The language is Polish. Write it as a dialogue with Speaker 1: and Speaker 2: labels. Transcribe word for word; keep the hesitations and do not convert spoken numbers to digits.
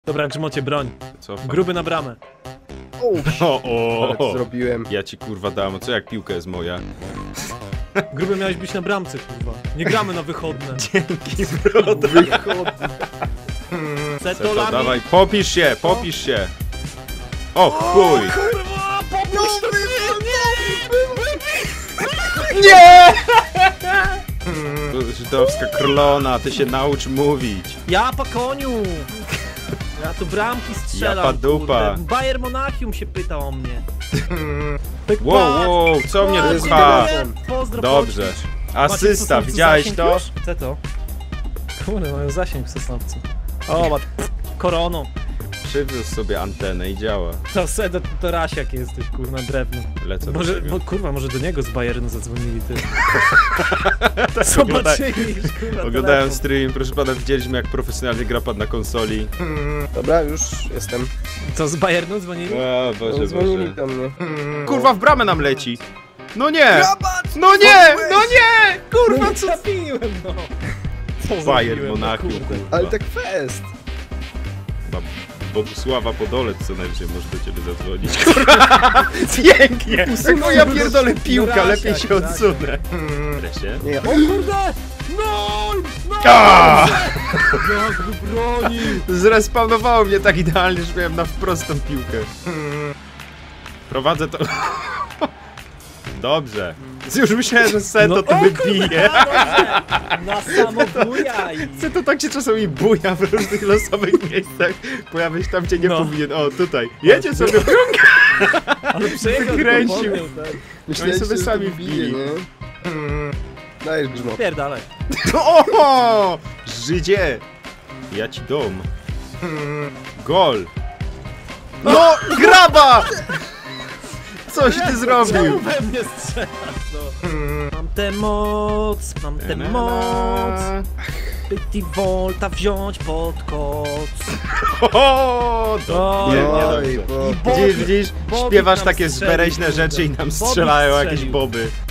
Speaker 1: Dobra, Grzmocie, broń.
Speaker 2: Co?
Speaker 1: Gruby na bramę.
Speaker 2: O, o,
Speaker 3: Ale to zrobiłem.
Speaker 2: Ja ci kurwa dam, co jak piłka jest moja?
Speaker 1: Gruby miałeś być na bramce, kurwa. Nie gramy na wychodne.
Speaker 2: Dzięki, broda.
Speaker 3: Wychodzi.
Speaker 1: Setolami.
Speaker 2: Dawaj, popisz się, popisz się. O chuj!
Speaker 1: Kurwa, popuść to
Speaker 3: Nie!
Speaker 2: Żydowska królona, ty się naucz mówić.
Speaker 1: Ja po koniu! Ja tu bramki strzelam,
Speaker 2: Japa dupa.
Speaker 1: kurde. Bayern Monachium się pyta o mnie. Tak
Speaker 2: Wow,
Speaker 1: patrz,
Speaker 2: wow, co mnie
Speaker 1: patrz,
Speaker 2: pcha?
Speaker 1: nie, Pozdro,
Speaker 2: Dobrze.
Speaker 1: Polski. Macie w
Speaker 2: Asysta,
Speaker 1: Sosnowcu
Speaker 2: widziałeś
Speaker 1: zasięg
Speaker 2: to?
Speaker 1: już? Co to? Kurde, mają zasięg w Sosnowcu. O, mat... koroną.
Speaker 2: Przywiózł sobie antenę i działa.
Speaker 1: To Sedo, to Rasiak jesteś, kurwa, drewno.
Speaker 2: Lecę
Speaker 1: Może,
Speaker 2: do ciebie.
Speaker 1: bo, kurwa, może do niego z Bayernu zadzwonili, ty.
Speaker 2: Tak,
Speaker 1: Zobaczyli, kurwa,
Speaker 2: Oglądałem
Speaker 1: telefon.
Speaker 2: stream, proszę pana, widzieliśmy jak profesjonalnie gra pan na konsoli.
Speaker 3: Dobra, już jestem.
Speaker 1: Co, z Bayernu dzwonili?
Speaker 2: O Boże,
Speaker 3: Dzwonili
Speaker 2: Boże.
Speaker 3: do mnie.
Speaker 2: Kurwa, w bramę nam leci! No nie! No nie! No nie! Kurwa,
Speaker 1: No co trafiłem, no! Co
Speaker 2: Bayern
Speaker 1: zrobiłem, no
Speaker 2: Monachium,
Speaker 1: kurde.
Speaker 2: kurwa.
Speaker 3: Ale tak fest.
Speaker 2: Chyba Bogusława Podolec co najwyżej może do ciebie zadzwonić. Kurwa! Pięknie! No ja pierdolę piłka,
Speaker 1: Rasiak,
Speaker 2: lepiej się
Speaker 1: Rasiak.
Speaker 2: odsunę. Wreszcie.
Speaker 3: Nie,
Speaker 1: O kurde! No! No!
Speaker 2: A!
Speaker 1: Jak wybronił!
Speaker 2: Zrespawnowało mnie tak idealnie, że miałem na wprostą piłkę. Prowadzę to... Dobrze. Już myślałem, że Seto
Speaker 1: No,
Speaker 2: to
Speaker 1: o
Speaker 2: wybije.
Speaker 1: Na samobujaj!
Speaker 2: Seto tak się czasami buja w różnych losowych miejscach. Pojawia się tam, gdzie nie
Speaker 1: No.
Speaker 2: powinien. O, tutaj. Jedzie sobie.
Speaker 1: Ale przejechał,
Speaker 2: Wykręcił.
Speaker 1: tylko podmiał, tak.
Speaker 3: myślałem,
Speaker 2: sobie
Speaker 3: że
Speaker 2: sami
Speaker 3: to wbije,
Speaker 2: wbili.
Speaker 3: nie? Dajesz grzmot.
Speaker 1: Pierdalaj.
Speaker 2: O! Żydzie! Ja ci dom. Gol! No! Graba! Coś ty zrobił!
Speaker 1: Czemu we mnie strzelasz, no? Mam tę moc, mam tę moc, by ti volta wziąć pod koc.
Speaker 2: O, do...
Speaker 1: Oj,
Speaker 2: Nie, nie
Speaker 3: oj,
Speaker 2: dobrze.
Speaker 3: bo-
Speaker 1: I Bobik-
Speaker 2: Widzisz, widzisz?
Speaker 1: Bobik
Speaker 2: Śpiewasz
Speaker 1: nam
Speaker 2: takie
Speaker 1: strzelił,
Speaker 2: zbereźne
Speaker 1: kurde.
Speaker 2: rzeczy i nam
Speaker 1: Bobik
Speaker 2: strzelają jakieś
Speaker 1: strzelił.
Speaker 2: boby.